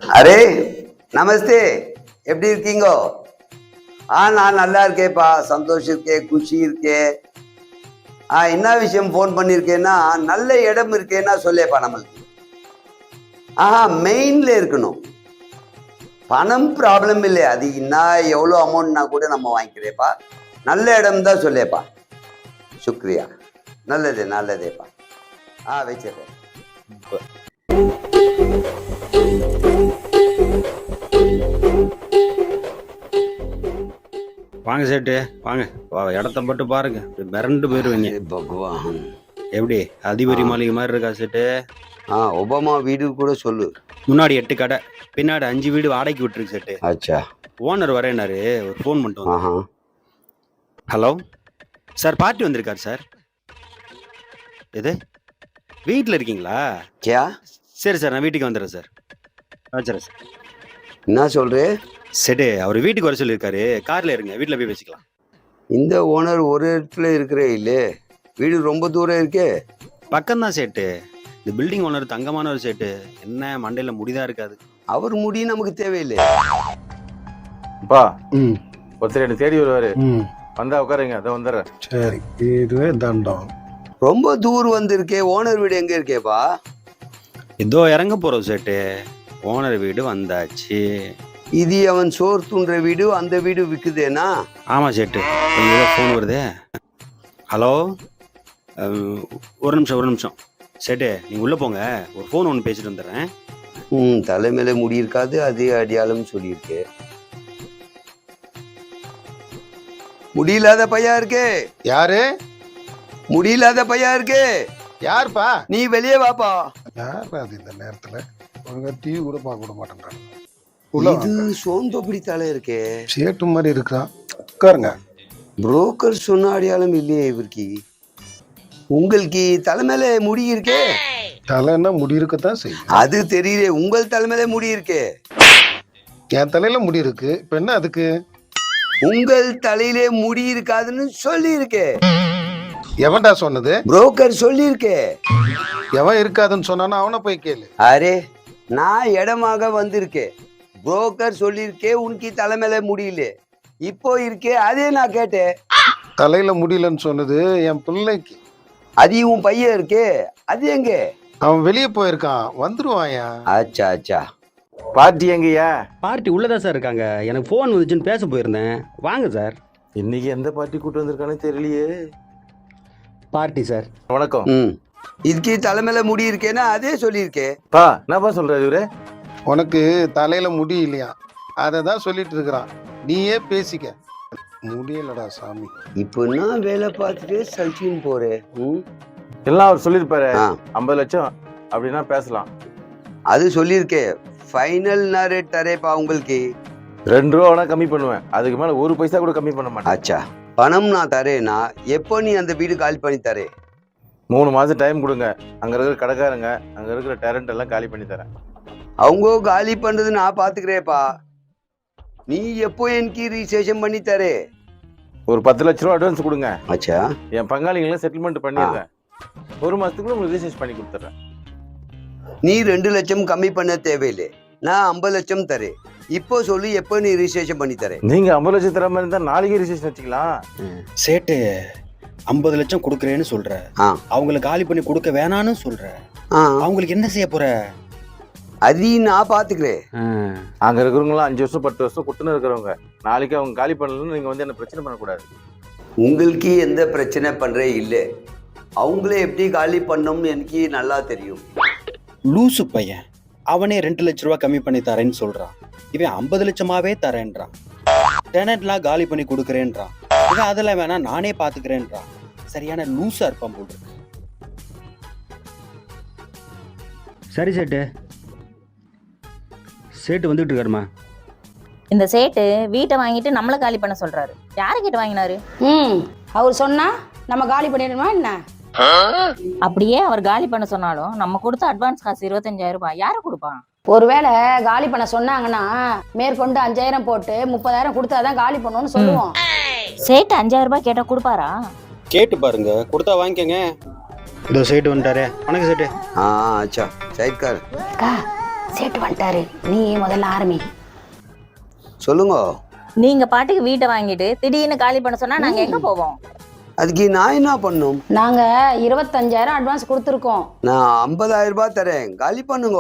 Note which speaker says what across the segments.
Speaker 1: Array நமஸ்தே, எப்படி இருக்கீங்க? நான் நல்லா இருக்கேப்பா, சந்தோஷம் இருக்கே, குஷி இருக்கே. என்ன விஷயம் ஃபோன் பண்ணியிருக்கேன்னா, நல்ல இடம் இருக்கேன்னா சொல்லேப்பா நம்மளுக்கு. மெயின்ல இருக்கணும். பணம் ப்ராப்ளம் இல்லை, அது இன்னும் எவ்வளோ அமௌண்ட்னா கூட நம்ம வாங்கிக்கிறேப்பா. நல்ல இடம் தான் சொல்லேப்பா. சுக்ரியா, நல்லதேப்பா. வச்சிடுறேன்.
Speaker 2: வாங்க சேட்டு, வாங்க. இடத்த மட்டும் பாருங்க, மிரண்டு போயிருவீங்க.
Speaker 1: பகவான்,
Speaker 2: எப்படி அதிபரி மாளிகை மாதிரி இருக்கா சேட்டு?
Speaker 1: ஒபாமா வீடு கூட சொல்லு.
Speaker 2: முன்னாடி 8 கடை, பின்னாடி 5 வீடு வாடகைக்கு விட்டுருக்கு சேட்டு.
Speaker 1: அச்சா.
Speaker 2: ஓனர் வரேனாரு, ஒரு ஃபோன் பண்ணிட்டு. ஹலோ சார், பார்ட்டி வந்திருக்காரு சார். எது, வீட்டில் இருக்கீங்களா?
Speaker 1: கியா?
Speaker 2: சரி சார், நான் வீட்டுக்கு வந்துடுறேன் சார். வச்சுறேன் சார்.
Speaker 1: என்ன சொல்றே?
Speaker 2: சரி, அவர் வீட்டுக்கு வர சொல்லியிருக்காரு, காரில் இருங்க, வீட்டில் போய் பேசிக்கலாம்.
Speaker 1: இந்த ஓனர் ஒரு இடத்துல இருக்கிறே இல்லே, வீடு ரொம்ப தூரம் இருக்கே.
Speaker 2: பக்கம்தான் சேட்டு. இந்த பில்டிங் ஓனர் தங்கமான ஒரு சேட்டு, என்ன மண்டையில் முடிதான் இருக்காது.
Speaker 1: அவர் முடி நமக்கு தேவையில்லை.
Speaker 3: அப்பா, ஒருத்தர் என்ன தேடி வருவாரு, வந்தா உட்காருங்க, அதை வந்துடுறேன்.
Speaker 4: சரி, இதுவே தண்டம்.
Speaker 1: ரொம்ப தூரம் வந்திருக்கே, ஓனர் வீடு எங்க இருக்கேப்பா?
Speaker 2: இதோ இறங்க போறோம் சேட்டு, ஓனர் வீடு வந்தாச்சு.
Speaker 1: இது அவன் சோறு தூண்டுற வீடு, அந்த வீடு விற்குதேனா?
Speaker 2: ஆமா சேட்டு, ஃபோன் வருதே. ஹலோ, ஒரு நிமிஷம் சேட்டு, நீங்க உள்ள போங்க, ஒரு ஃபோன் ஒன்று பேசிட்டு வந்துடுறேன்.
Speaker 1: தலைமையில முடி இருக்காது, அதே அடியாளம் சொல்லியிருக்கு. முடியில்லாத பையா இருக்கே.
Speaker 4: யாரு?
Speaker 1: முடியில்லாத பையா இருக்கே.
Speaker 4: யாருப்பா?
Speaker 1: நீ வெளியே வாப்பா.
Speaker 4: யார் அது இந்த நேரத்துல? ஒழுங்கா டிவி கூட பார்க்க விட மாட்டேன்றாங்க.
Speaker 1: இது சோம்பப்படி தலை இருக்கே,
Speaker 4: சேட்டு மாதிரி இருக்கிறான். உட்காருங்க.
Speaker 1: புரோக்கர் சொன்ன அடையாளம் இல்லையே இவருக்கு. உங்களுக்கு தலைமையில முடி இருக்கே.
Speaker 4: தலைன்னா முடி இருக்கத்தான் செய்யும்.
Speaker 1: அது தெரியல, உங்கள் தலைமையில முடி இருக்கே.
Speaker 4: என் தலையில முடி இருக்கு, இப்ப என்ன அதுக்கு?
Speaker 1: உங்கள் தலையிலே முடி இருக்காதுன்னு சொல்லி இருக்கே.
Speaker 4: எவன்டா சொன்னது?
Speaker 1: புரோக்கர் சொல்லி இருக்கே.
Speaker 4: எவன் இருக்காதுன்னு சொன்னானா அவனை போய் கேளு.
Speaker 1: அரே, நான் இடமாக வந்திருக்கேன், புரோக்கர் சொல்லியிருக்கே உனக்கு தலைமையில முடியல, இப்போ இருக்கே, அதே நான் கேட்டேன்.
Speaker 4: தலையில முடியலன்னு சொன்னது என் பிள்ளைக்கு.
Speaker 1: அது உன் பையன் இருக்கே, அது எங்க?
Speaker 4: அவன் வெளியே போயிருக்கான், வந்துருவாயா.
Speaker 1: அச்சா.
Speaker 3: பார்ட்டி எங்கய்யா?
Speaker 2: பார்ட்டி உள்ளதா சார் இருக்காங்க, எனக்கு ஃபோன் வந்துச்சுன்னு பேச போயிருந்தேன். வாங்க சார்.
Speaker 3: இன்னைக்கு எந்த பார்ட்டி கூட்டு வந்திருக்கானே தெரியலையே.
Speaker 2: Party sir.
Speaker 3: வணக்கம்.
Speaker 1: இதுக்கு தலைமையில முடி இருக்கேன்னா அதே சொல்லியிருக்கே.
Speaker 3: என்னப்பா சொல்றாரு இவரு?
Speaker 4: உனக்கு தலையில முடி இல்லையா, அதை தான் சொல்லிட்டு இருக்கிறான். நீயே பேசிக்க. முடியலடா சாமி.
Speaker 1: இப்போ நான் வேலை பார்த்துட்டு சல்ச்சின்னு போறேன்.
Speaker 3: எல்லாம் அவர் சொல்லியிருப்பாரு. 50 லட்சம் அப்படின்னா பேசலாம்.
Speaker 1: அது சொல்லியிருக்கே. ஃபைனல் நான் ரேட் தரேப்பா உங்களுக்கு.
Speaker 3: 2 ரூபா வேணா கம்மி பண்ணுவேன், அதுக்கு மேல 1 பைசா கூட கம்மி பண்ண மாட்டேன்.
Speaker 1: அச்சா, பணம் நான் தரேன்னா எப்போ நீ அந்த வீடு காலி பண்ணி தரே?
Speaker 3: 3 மாதம் டைம் கொடுங்க, அங்க இருக்கிற கடைக்காரங்க, அங்க இருக்கிற டேலண்ட் எல்லாம் காலி பண்ணி தரேன்.
Speaker 1: அவங்க காலி பண்றது நான் பாத்துக்கிறேப்பா. நீ எப்போ எனக்கு ரிஜிஸ்ட்ரேஷன் பண்ணி தரே?
Speaker 3: ஒரு 10 லட்ச ரூபா அட்வான்ஸ் கொடுங்க.
Speaker 1: அச்சா,
Speaker 3: என் பங்காளிகளை செட்டில்மெண்ட் பண்ணிடுறேன். 1 மாசத்துக்குள்ள உங்களுக்கு ரிஜிஸ்ட்ரேஷன் பண்ணி கொடுத்துட்றேன்.
Speaker 1: நீ 2 லட்சம் கம்மி பண்ண தேவையில்லை, நான் 50 லட்சம் தரேன். இப்போ சொல்லி எப்போ நீ ரிஜிஸ்ட்ரேஷன் பண்ணி தரேன்?
Speaker 3: நீங்க 50 லட்சம் தர மாதிரி இருந்தா நாளைக்கே ரிஜிஸ்ட்ரேஷன் வச்சுக்கலாம்.
Speaker 2: சேட்டு 50 லட்சம் கொடுக்குறேன்னு சொல்ற, அவங்களுக்கு காலி பண்ணி கொடுக்க வேணான்னு சொல்ற, அவங்களுக்கு என்ன செய்ய போற?
Speaker 1: அதையும் நான் பாத்துக்கிறேன்.
Speaker 3: அங்க இருக்கிறவங்களாம் 5 வருஷம் 10 வருஷம் குட்டுன்னு இருக்கிறவங்க, நாளைக்கு அவங்க காலி பண்ணலன்னு நீங்க வந்து என்ன பிரச்சனை பண்ணக்கூடாது.
Speaker 1: உங்களுக்கு எந்த பிரச்சனை பண்றே இல்லை, அவங்களே எப்படி காலி பண்ணோம்னு எனக்கு நல்லா தெரியும்.
Speaker 2: லூசு பையன், அவனே 2 லட்ச ரூபா கம்மி பண்ணி தரேன்னு சொல்றான், இவன் 50 லட்சமாவே தரேன்றான். டெனட்லாம் காலி பண்ணி கொடுக்குறேன்றான், இவன் அதெல்லாம் வேணா நானே பாத்துக்கிறேன்றான். சரியான லூசா இருப்பான் போல். சரி சேட்டு, சேட்டு வந்துட்டு இருக்காருமா.
Speaker 5: இந்த சேட்டு வீட்டை வாங்கிட்டு நம்மளை காலி பண்ண சொல்றாரு. யாரு கிட்ட வாங்கினாரு?
Speaker 6: அவர் சொன்னா நம்ம காலி பண்ணிடணுமா என்ன?
Speaker 5: அப்படியே அவர் காலி பண்ண சொன்னாலும் நம்ம கொடுத்த அட்வான்ஸ் காசு 25,000 ரூபாய் யாரு கொடுப்பான்?
Speaker 6: ஒருவேளை காலி பண்ண சொன்னாங்கன்னா மேற்கொண்டு 5,000 போட்டு 30,000 கொடுத்தாதான் காலி பண்ணுவோம்னு சொல்லுவோம்.
Speaker 5: சேட்டு 5,000 ரூபாய் கேட்டா கொடுப்பாரா?
Speaker 2: கேட்டு பாருங்க, கொடுத்தா வாங்கிக்கங்க. இதோ சேட்டு வந்துட்டாரே. வணக்கம் சேட்டு.
Speaker 1: அச்சா, சைட்கார்.
Speaker 6: அக்கா சேட்டு வந்துட்டாரு, நீ முதல்ல ஆரம்பி.
Speaker 1: சொல்லுங்க.
Speaker 5: நீங்க பாட்டுக்கு வீட்டை வாங்கிட்டு திடீர்னு காலி பண்ண சொன்னா நாங்க எங்க போவோம்?
Speaker 1: அதுக்கு நான் என்ன பண்ணும்?
Speaker 6: நாங்க 25,000 அட்வான்ஸ் கொடுத்துருக்கோம்.
Speaker 1: நான் 50,000 ரூபாய் தரேன், காலி பண்ணுங்க.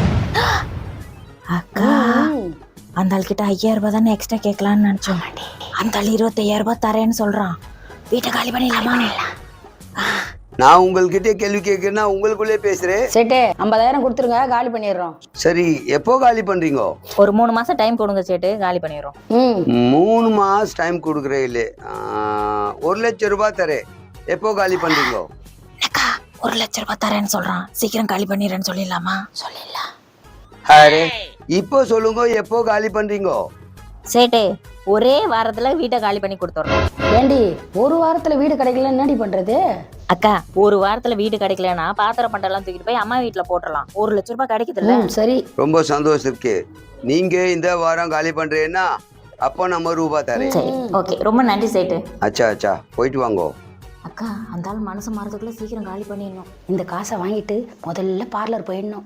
Speaker 5: அக்கா, அந்த ஆள் கிட்ட 5,000 ரூபாய் தானே எக்ஸ்ட்ரா கேட்கலான்னு நினைச்சோம். அந்த ஆள் 25,000 ரூபாய் தரேன்னு சொல்றான். வீட்டை காலி பண்ணிடலாமா?
Speaker 1: நான் உங்கள்கிட்ட கேள்வி கேட்கிறேன்னா உங்களுக்குள்ளே பேசுறேன்.
Speaker 6: சேட்டு 50,000 கொடுத்துருங்க, காலி பண்ணிடுறோம்.
Speaker 1: சரி, எப்போ காலி பண்றீங்க?
Speaker 5: ஒரு 3 மாசம் டைம் கொடுங்க சேட்டு, காலி பண்ணிடுறோம்.
Speaker 1: 3 மாசம் டைம் கொடுக்குறேன். இல்லை, 1,00,000 ரூபாய் தரேன், எப்போ காலி பண்றீங்க?
Speaker 5: அக்கா, 1,00,000 ரூபாய் தரேன்னு சொல்றான், சீக்கிரம் காலி பண்ணிடுறேன்னு சொல்லிடலாமா? சொல்லிடலாம்.
Speaker 1: அரே, இப்போ சொல்லுங்க, எப்போ காலி பண்றீங்க?
Speaker 5: சேட்டு, ஒரே வாரத்துல வீட்டை காலி பண்ணி கொடுத்துட்றோம்.
Speaker 6: ஏண்டி, ஒரு வாரத்துல வீடு கிடைக்கல என்னடி பண்றது?
Speaker 5: அக்கா, ஒரு வாரத்துல வீடு கிடைக்கலன்னா பாத்திரம் பண்டெல்லாம் தூக்கிட்டு போய் அம்மா வீட்டுல போட்டுடலாம். 1,00,000 ரூபாய் கிடைக்குதுல்ல?
Speaker 6: சரி.
Speaker 1: ரொம்ப சந்தோஷம் இருக்கு. நீங்க இந்த வாரம் காலி பண்றீங்கன்னா அப்போ நம்ம ரூபாய் தரேன்.
Speaker 5: சரி, ஓகே, ரொம்ப நன்றி சேட்டு.
Speaker 1: அச்சா, போயிட்டு வாங்க.
Speaker 5: அக்கா, அந்த ஆள் மனசு மாறதுக்குள்ள சீக்கிரம் காலி பண்ணிடணும்.
Speaker 6: இந்த காசை வாங்கிட்டு முதல்ல பார்லர் போயிடணும்.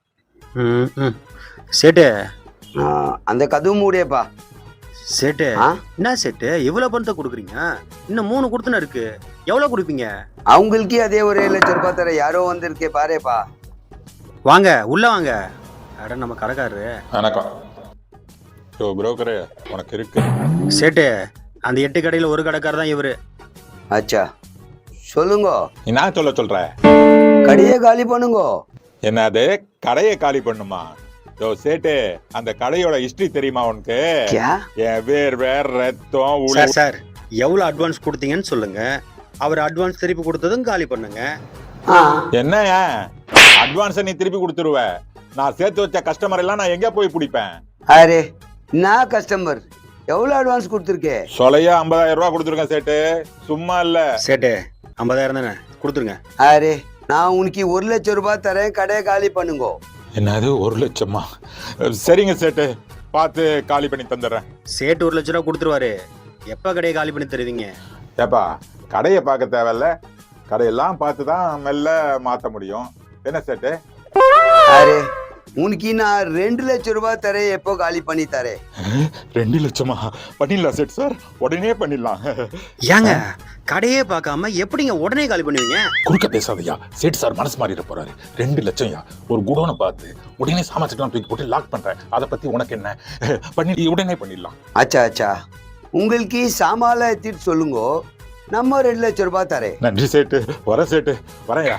Speaker 2: சேட்டு
Speaker 1: அந்த கதவு மூடியப்பா.
Speaker 2: சேட்டு
Speaker 1: ஆ?
Speaker 2: என்ன சேட்டு இவ்வளவு பணத்தை கொடுக்குறீங்க? இன்னும் 3 கொடுத்துன இருக்கு, எவ்வளவு கொடுப்பீங்க?
Speaker 1: அவங்களுக்கு அதே ஒரு 7,00,000 ரூபாய் தர. யாரோ வந்திருக்கே பாருப்பா.
Speaker 2: வாங்க உள்ள வாங்க. அட, நம்ம கடைக்காரரு.
Speaker 7: வணக்கம். ஸோ புரோக்கரு உனக்கு இருக்கு.
Speaker 2: சேட்டு, அந்த 8 கடையில ஒரு கடைக்காரர் தான் இவரு.
Speaker 1: அச்சா, சொல்லுங்க.
Speaker 7: நீ நான் சொல்ற
Speaker 1: கடையை காலி பண்ணுங்க.
Speaker 7: என்னது, கடையை காலி பண்ணுமா? யோ சேட்டு, அந்த கடையோட ஹிஸ்டரி தெரியுமா உனக்கு?
Speaker 1: கியா?
Speaker 7: என் வேர் ரத்தம்
Speaker 2: சார் சார், எவ்வளவு அட்வான்ஸ் கொடுத்தீங்கன்னு சொல்லுங்க. அவர் அட்வான்ஸ் திருப்பி கொடுத்ததும் காலி பண்ணுங்க.
Speaker 7: என்ன அட்வான்ஸை நீ திருப்பி கொடுத்துருவ? நான் சேர்த்து வச்ச கஸ்டமர் எல்லாம் நான் எங்க போய் பிடிப்பேன்?
Speaker 1: அரே, நான் கஸ்டமர். எவ்வளவு அட்வான்ஸ் கொடுத்துருக்கேன்?
Speaker 7: சொலையா 50,000 ரூபாய் கொடுத்துருக்கேன் சேட்டு, சும்மா இல்ல.
Speaker 2: சேட்டு, 50,000 தானே கொடுத்துருங்க.
Speaker 1: அரே, நான் உனக்கு 1,00,000 ரூபாய் தரேன், கடையை காலி பண்ணுங்க.
Speaker 7: என்னது, 1,00,000மா? சரிங்க சேட்டு, பார்த்து காலி பண்ணி தந்துடுறேன்.
Speaker 2: சேட்டு 1,00,000 ரூபா கொடுத்துருவாரு. எப்ப கடையை காலி பண்ணி தருவீங்க?
Speaker 7: ஏப்பா, கடையை பார்க்க தேவையில்ல, கடையெல்லாம் பார்த்து தான் மெல்ல மாற்ற முடியும். என்ன சேட்டு?
Speaker 1: அரே, உனக்கு நான் 2,00,000 ரூபாய் தரேன், எப்போ காலி பண்ணி தரேன்?
Speaker 7: 2,00,000மா? பண்ணிடலாம் சேட் சார், உடனே பண்ணிடலாம்.
Speaker 2: ஏங்க, கடையே பார்க்காம எப்படிங்க உடனே காலி பண்ணுவீங்க?
Speaker 7: குறுக்க பேசாதயா, சேட் சார் மனசு மாறிட போறாரு. 2,00,000 ஒரு குடோனை பார்த்து உடனே சாமான்லாம் தூக்கி போட்டு லாக் பண்றேன். அதை பத்தி உனக்கு என்ன? பண்ணி உடனே பண்ணிடலாம்.
Speaker 1: அச்சா, உங்களுக்கு சாமால எடுத்துட்டு சொல்லுங்க, நம்ம 2,00,000 ரூபாய் தரேன்.
Speaker 7: நன்றி சேட்டு, வர சேட்டு, வரையா.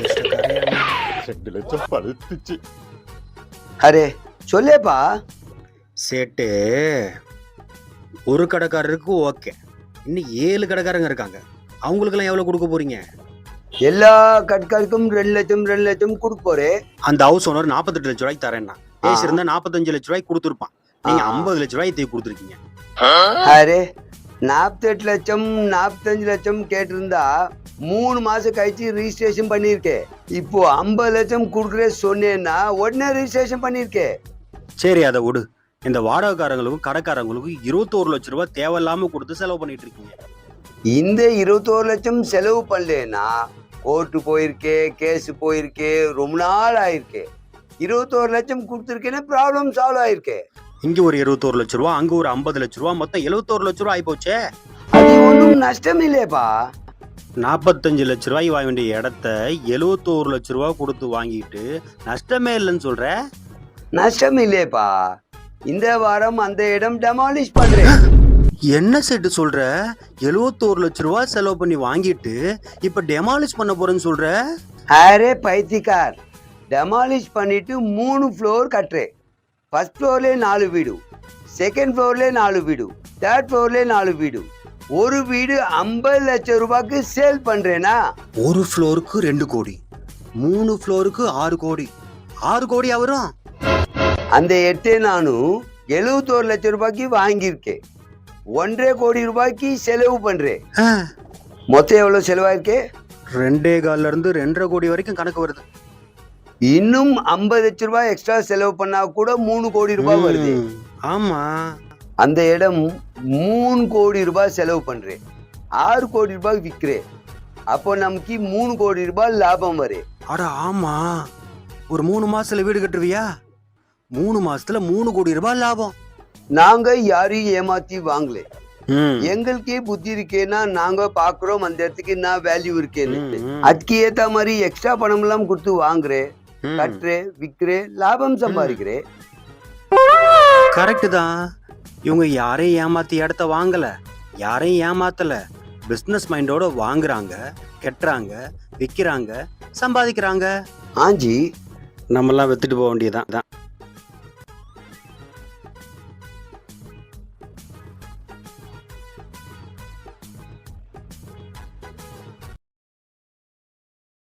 Speaker 7: 2,00,000 பழுத்துச்சு.
Speaker 1: அரே, சொல்லேப்பா.
Speaker 2: சேட்டு, ஒரு கடைக்காரருக்கு ஓகே, இன்னும் 7 கடைக்காரங்க இருக்காங்க. அவங்களுக்கெல்லாம் எவ்வளவு கொடுக்க போறீங்க?
Speaker 1: எல்லா கட்காருக்கும் 2,00,000 கொடுக்க போறேன்.
Speaker 2: அந்த ஹவுஸ் ஓனர் 48,00,000 ரூபாய்க்கு தரேன்னா பேசியிருந்தா 45,00,000 ரூபாய்க்கு கொடுத்துருப்பான். நீங்க 50,00,000 ரூபாய் தூக்கி கொடுத்துருக்கீங்க.
Speaker 1: அரே, 48,00,000 45,00,000 கேட்டிருந்தா 3 மாசம் கழிச்சு ரிஜிஸ்ட்ரேஷன் பண்ணிருக்கேன். இப்போ 50,00,000 கொடுக்குறே சொன்னேன்னா உடனே ரிஜிஸ்ட்ரேஷன் பண்ணிருக்கேன்.
Speaker 2: சரி, அதை விடு. இந்த வாடகைக்காரங்களுக்கும் கடைக்காரங்களுக்கும் 21,00,000 ரூபாய் தேவையில்லாம கொடுத்து செலவு பண்ணிட்டு இருக்கீங்க.
Speaker 1: இந்த 21,00,000 செலவு பண்ணலன்னா கோர்ட்டு போயிருக்கே, கேஸ் போயிருக்கே, ரொம்ப நாள் ஆயிருக்கே. 21,00,000 கொடுத்துருக்கேன்னா ப்ராப்ளம் சால்வ் ஆயிருக்கே.
Speaker 2: இங்க ஒரு 21,00,000 ரூபாய், அங்க ஒரு 50,00,000 ரூபாய், மொத்தம் 71,00,000 ரூபாய் ஆயிப்போச்சே.
Speaker 1: அது ஒன்றும் நஷ்டம் இல்லையப்பா.
Speaker 2: 45,00,000 ரூபாய் வாங்க வேண்டிய இடத்த 71,00,000 ரூபாய் கொடுத்து வாங்கிட்டு நஷ்டமே இல்லைன்னு சொல்ற?
Speaker 1: நஷ்டம் இல்லையப்பா. இந்த வாரம் அந்த இடம் டெமாலிஷ் பண்றேன்.
Speaker 2: என்ன செட்டு சொல்ற? 71,00,000 ரூபாய் செலவு பண்ணி வாங்கிட்டு இப்ப டெமாலிஷ் பண்ண போறேன்னு சொல்ற?
Speaker 1: அரே பைத்தியக்கார், டெமாலிஷ் பண்ணிட்டு 3 ஃப்ளோர் கட்டுறேன். ஃபர்ஸ்ட் ஃப்ளோர்ல 4 வீடு, செகண்ட் ஃப்ளோர்ல 4 வீடு, தேர்ட் ஃப்ளோர்ல 4 வீடு. ஒரு வீடு 50,00,000 ரூபாய்க்கு சேல் பண்றேனா?
Speaker 2: ஒரு ஃப்ளோருக்கு 2 கோடி, 3 ஃப்ளோருக்கு 6 கோடி, 6 கோடி வரும்.
Speaker 1: அந்த இடத்தை நானும் 71,00,000 ரூபாய்க்கு வாங்கியிருக்கேன். 1.5 கோடி ரூபாய்க்கு செலவு பண்றேன். மொத்தம் எவ்வளவு செலவாயிருக்கு?
Speaker 2: 2.25 இருந்து 2.5 கோடி வரைக்கும் கணக்கு வருது.
Speaker 1: இன்னும் 50,00,000 ரூபாய் எக்ஸ்ட்ரா செலவு பண்ணா கூட 3 கோடி ரூபாய் வருது.
Speaker 2: ஆமா,
Speaker 1: அந்த இடம் 3 கோடி ரூபாய் செலவு பண்றேன், 6 கோடி ரூபாய் விற்கிறேன். அப்போ நமக்கு 3 கோடி ரூபாய் லாபம் வரும்.
Speaker 2: அட ஆமா, ஒரு 3 மாசத்துல வீடு கட்டுருவியா? 3 மாசத்துல 3 கோடி ரூபாய் லாபம்.
Speaker 1: நாங்க யாரையும் ஏமாத்தி வாங்கல.
Speaker 2: ம்.
Speaker 1: எங்களுக்கே புத்தி இருக்கேன்னா நாங்க பாக்குறோம் அந்த இடத்துக்கு என்ன வேல்யூ இருக்கேன்னு.
Speaker 2: ம்.
Speaker 1: அதுக்கு ஏத்த மாதிரி எக்ஸ்ட்ரா பணம் எல்லாம் கொடுத்து வாங்குறேன்,
Speaker 2: ம்.
Speaker 1: கட்டுறேன், விற்கிறேன், லாபம் சம்பாதிக்கிறேன்.
Speaker 2: கரெக்ட் தான். இவங்க யாரையும் ஏமாத்தி இடத்த வாங்கல, யாரையும் ஏமாத்தல. பிசினஸ் மைண்டோட வாங்குறாங்க, கெட்டுறாங்க, விற்கிறாங்க, சம்பாதிக்கிறாங்க.
Speaker 1: ஆஞ்சி
Speaker 2: நம்மெல்லாம் வித்துட்டு போக வேண்டியதான்.